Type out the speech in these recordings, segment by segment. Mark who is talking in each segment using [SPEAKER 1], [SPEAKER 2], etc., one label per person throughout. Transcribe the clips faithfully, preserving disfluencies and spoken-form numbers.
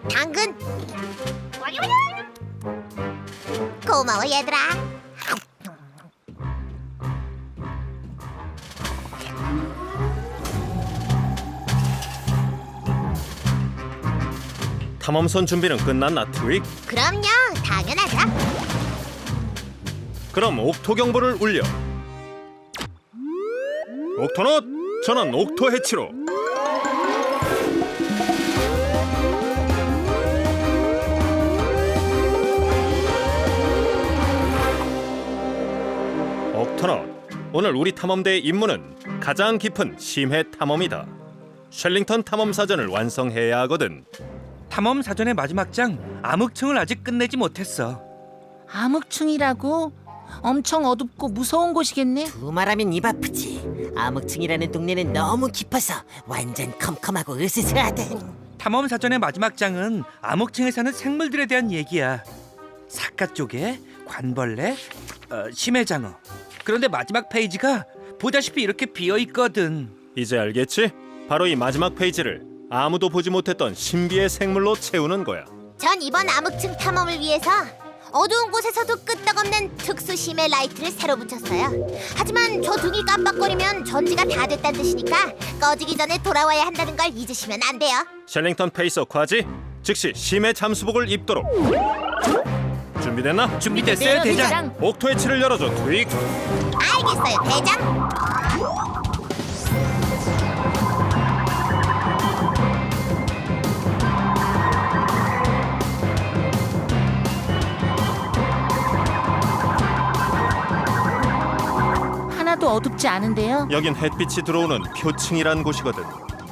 [SPEAKER 1] 당근. 고마워 얘들아.
[SPEAKER 2] 탐험선 준비는 끝났나, 트윅?
[SPEAKER 1] 그럼요, 당연하죠.
[SPEAKER 2] 그럼 옥토 경보를 울려. 옥토넛, 전원 옥토 해치로. 옥토넛, 오늘 우리 탐험대의 임무는 가장 깊은 심해 탐험이다. 셸링턴 탐험 사전을 완성해야 하거든.
[SPEAKER 3] 탐험 사전의 마지막 장 암흑층을 아직 끝내지 못했어.
[SPEAKER 4] 암흑층이라고? 엄청 어둡고 무서운 곳이겠네.
[SPEAKER 5] 두말하면 입 아프지. 암흑층이라는 동네는 너무 깊어서 완전 컴컴하고 으스스하대.
[SPEAKER 3] 탐험 사전의 마지막 장은 암흑층에 사는 생물들에 대한 얘기야. 사카 쪽에 관벌레, 어, 심해장어. 그런데 마지막 페이지가 보다시피 이렇게 비어 있거든.
[SPEAKER 2] 이제 알겠지? 바로 이 마지막 페이지를 아무도 보지 못했던 신비의 생물로 채우는 거야.
[SPEAKER 1] 전 이번 암흑층 탐험을 위해서 어두운 곳에서도 끄떡없는 특수 심해 라이트를 새로 붙였어요. 하지만 저 등이 깜빡거리면 전지가 다 됐다는 뜻이니까 꺼지기 전에 돌아와야 한다는 걸 잊으시면 안 돼요.
[SPEAKER 2] 셸링턴 페이서 과지 즉시 심해 잠수복을 입도록. 준비됐나?
[SPEAKER 3] 준비됐어요, 대장.
[SPEAKER 2] 옥토의 치를 열어줘, 트윅.
[SPEAKER 1] 알겠어요, 대장.
[SPEAKER 4] 하나도 어둡지 않은데요.
[SPEAKER 2] 여긴 햇빛이 들어오는 표층이란 곳이거든.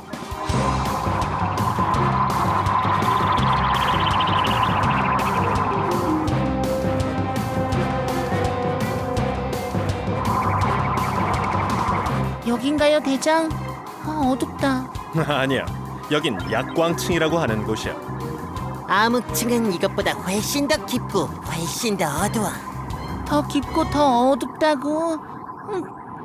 [SPEAKER 4] 여긴가요, 대장? 아, 어둡다.
[SPEAKER 2] 아니야, 여긴 약광층이라고 하는 곳이야.
[SPEAKER 5] 암흑층은 이것보다 훨씬 더 깊고 훨씬 더 어두워.
[SPEAKER 4] 더 깊고 더 어둡다고? 음,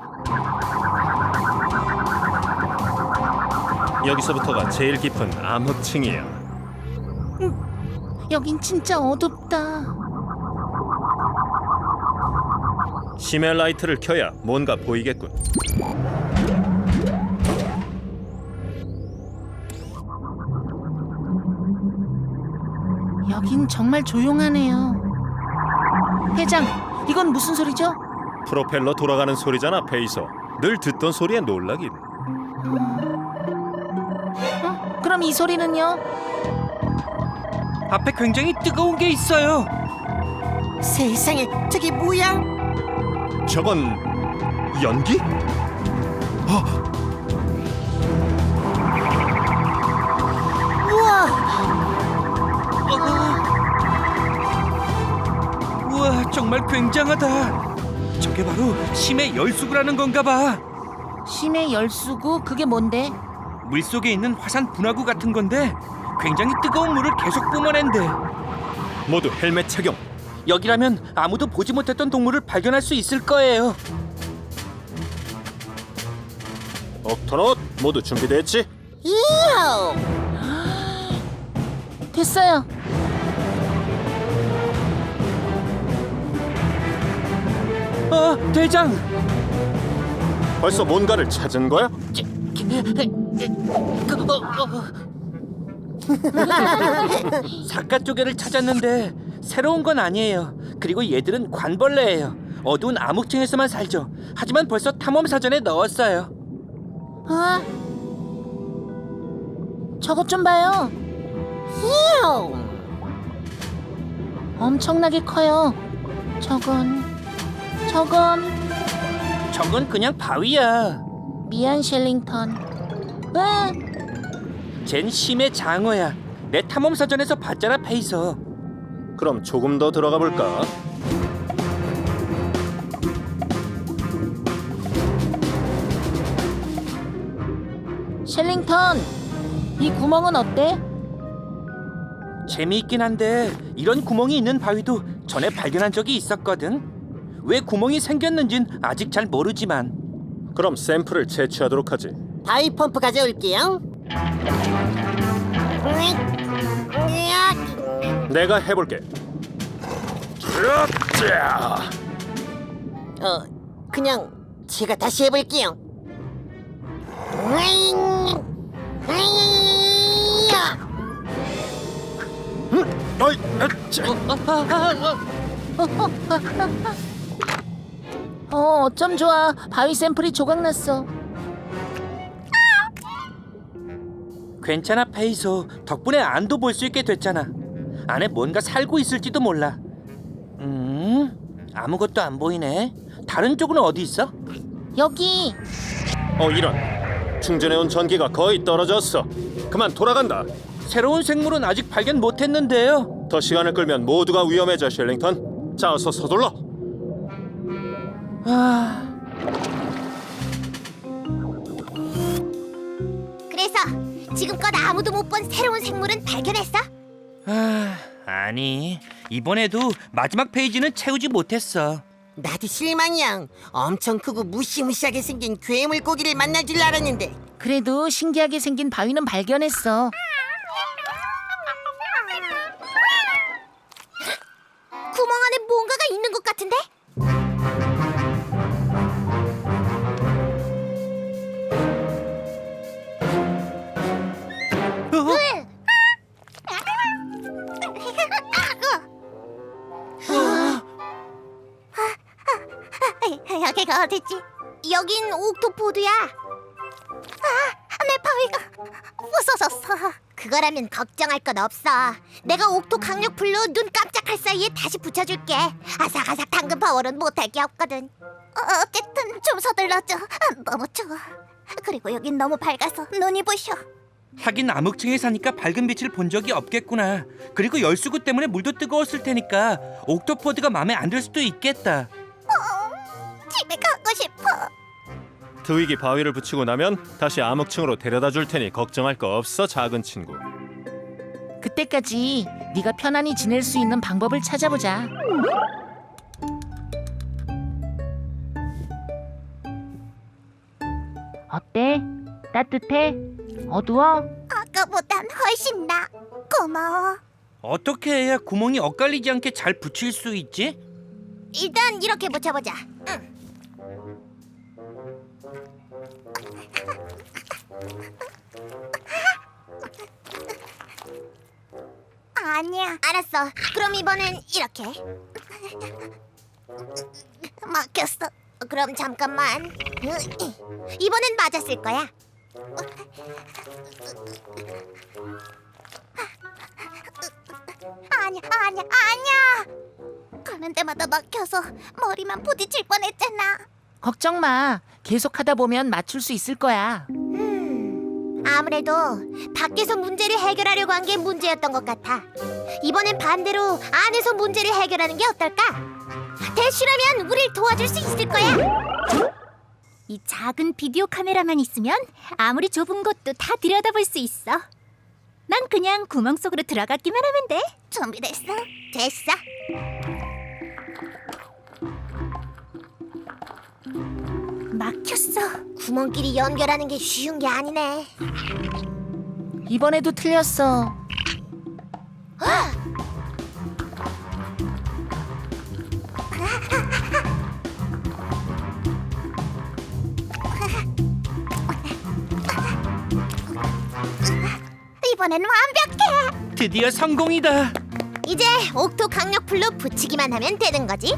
[SPEAKER 2] 여기서부터가 제일 깊은 암흑층이야.
[SPEAKER 4] 여긴 진짜 어둡다.
[SPEAKER 2] 심해 라이트를 켜야 뭔가 보이겠군.
[SPEAKER 4] 여긴 정말 조용하네요. 대장, 이건 무슨 소리죠?
[SPEAKER 2] 프로펠러 돌아가는 소리잖아, 페이서. 늘 듣던 소리에 놀라긴.
[SPEAKER 4] 어? 그럼 이 소리는요?
[SPEAKER 3] 앞에 굉장히 뜨거운 게 있어요.
[SPEAKER 5] 세상에, 저게 뭐야?
[SPEAKER 2] 저건 연기?
[SPEAKER 5] 우와!
[SPEAKER 3] 어. 우와, 정말 굉장하다. 저게 바로 심해 열수구라는 건가 봐.
[SPEAKER 4] 심해 열수구? 그게 뭔데?
[SPEAKER 3] 물속에 있는 화산 분화구 같은 건데 굉장히 뜨거운 물을 계속 뿜어낸대.
[SPEAKER 2] 모두 헬멧 착용.
[SPEAKER 3] 여기라면 아무도 보지 못했던 동물을 발견할 수 있을 거예요.
[SPEAKER 2] 옥토넛 모두 준비됐지?
[SPEAKER 5] 이호!
[SPEAKER 4] 됐어요.
[SPEAKER 3] 어, 대장!
[SPEAKER 2] 벌써 뭔가를 찾은 거야?
[SPEAKER 3] 그거 어. 사카 쪼개를 찾았는데 새로운 건 아니에요. 그리고 얘들은 관벌레예요. 어두운 암흑층에서만 살죠. 하지만 벌써 탐험 사전에 넣었어요.
[SPEAKER 4] 아, 저것 좀 봐요.
[SPEAKER 5] 이호!
[SPEAKER 4] 엄청나게 커요. 저건, 저건
[SPEAKER 3] 저건 그냥 바위야.
[SPEAKER 4] 미안, 셸링턴. 왜?
[SPEAKER 3] 쟨 심해 장어야. 내 탐험 사전에서 봤잖아, 페이서.
[SPEAKER 2] 그럼 조금 더 들어가 볼까?
[SPEAKER 4] 셸링턴, 이 구멍은 어때?
[SPEAKER 3] 재미있긴 한데 이런 구멍이 있는 바위도 전에 발견한 적이 있었거든. 왜 구멍이 생겼는진 아직 잘 모르지만.
[SPEAKER 2] 그럼 샘플을 채취하도록 하지.
[SPEAKER 5] 바위 펌프 가져올게요. 으익, 으익.
[SPEAKER 2] 내가 해볼게. 으쌰!
[SPEAKER 5] 어, 그냥 제가 다시 해볼게요. 으잉! 으잉!
[SPEAKER 2] 음, 어이, 으쌰.
[SPEAKER 4] 어, 어쩜 좋아. 바위 샘플이 조각났어.
[SPEAKER 3] 괜찮아 페이소. 덕분에 안도 볼 수 있게 됐잖아. 안에 뭔가 살고 있을지도 몰라. 음, 아무것도 안 보이네. 다른 쪽은 어디 있어?
[SPEAKER 4] 여기.
[SPEAKER 2] 어, 이런. 충전해온 전기가 거의 떨어졌어. 그만 돌아간다.
[SPEAKER 3] 새로운 생물은 아직 발견 못했는데요.
[SPEAKER 2] 더 시간을 끌면 모두가 위험해져, 셜링턴. 자, 어서 서둘러.
[SPEAKER 3] 아,
[SPEAKER 1] 그래서 지금껏 아무도 못 본 새로운 생물은 발견했어?
[SPEAKER 3] 아, 아니 이번에도 마지막 페이지는 채우지 못했어.
[SPEAKER 5] 나도 실망이야. 엄청 크고 무시무시하게 생긴 괴물 고기를 만날 줄 알았는데.
[SPEAKER 4] 그래도 신기하게 생긴 바위는 발견했어.
[SPEAKER 1] 구멍 안에 뭔가가 있는 것 같은데? 여기가 어디지? 여긴 옥토포드야. 아, 내 바위가 부서졌어. 그거라면 걱정할 건 없어. 내가 옥토 강력 풀로 눈 깜짝할 사이에 다시 붙여줄게. 아삭아삭 당근 파워는 못할 게 없거든. 어, 어쨌든 좀 서둘러줘. 너무 추워. 그리고 여긴 너무 밝아서 눈이 부셔.
[SPEAKER 3] 하긴 암흑층에 사니까 밝은 빛을 본 적이 없겠구나. 그리고 열수구 때문에 물도 뜨거웠을 테니까 옥토포드가 마음에 안 들 수도 있겠다.
[SPEAKER 1] 집에 가고 싶어.
[SPEAKER 2] 트윅이 바위를 붙이고 나면 다시 암흑층으로 데려다 줄 테니 걱정할 거 없어, 작은 친구.
[SPEAKER 4] 그때까지 네가 편안히 지낼 수 있는 방법을 찾아보자. 어때? 따뜻해? 어두워?
[SPEAKER 1] 아까보단 훨씬 나. 고마워.
[SPEAKER 3] 어떻게 해야 구멍이 엇갈리지 않게 잘 붙일 수 있지?
[SPEAKER 1] 일단 이렇게 붙여보자. 응. 아니야. 알았어. 그럼 이번엔 이렇게. 막혔어. 그럼 잠깐만. 이번엔 맞았을 거야. 아니야, 아니야, 아니야. 가는 데마다 막혀서 머리만 부딪힐 뻔했잖아.
[SPEAKER 4] 걱정 마. 계속하다 보면 맞출 수 있을 거야.
[SPEAKER 1] 음, 아무래도 밖에서 문제를 해결하려고 한 게 문제였던 것 같아. 이번엔 반대로 안에서 문제를 해결하는 게 어떨까? 대쉬라면 우릴 도와줄 수 있을 거야. 이 작은 비디오 카메라만 있으면 아무리 좁은 곳도 다 들여다볼 수 있어. 난 그냥 구멍 속으로 들어갔기만 하면 돼. 준비됐어? 됐어. 막혔어. 구멍끼리 연결하는 게 쉬운 게 아니네.
[SPEAKER 4] 이번에도 틀렸어.
[SPEAKER 1] 이번엔 완벽해.
[SPEAKER 3] 드디어 성공이다.
[SPEAKER 1] 이제 옥토 강력풀로 붙이기만 하면 되는 거지.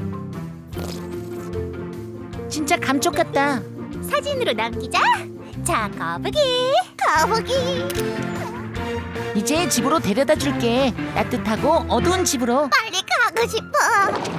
[SPEAKER 4] 진짜 감쪽 같다.
[SPEAKER 1] 사진으로 남기자. 자, 거북이. 거북이.
[SPEAKER 4] 이제 집으로 데려다 줄게. 따뜻하고 어두운 집으로.
[SPEAKER 1] 빨리 가고 싶어.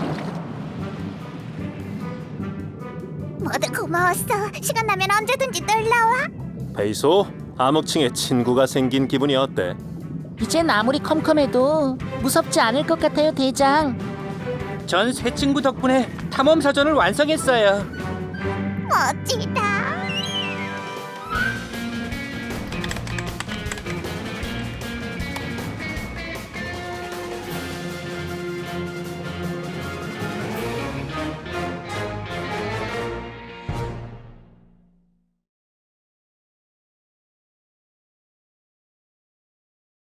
[SPEAKER 1] 모두 고마웠어. 시간 나면 언제든지 놀러와.
[SPEAKER 2] 페이소, 암흑층에 친구가 생긴 기분이 어때?
[SPEAKER 4] 이젠 아무리 컴컴해도 무섭지 않을 것 같아요, 대장.
[SPEAKER 3] 전 새 친구 덕분에 탐험 사전을 완성했어요.
[SPEAKER 1] 멋지다.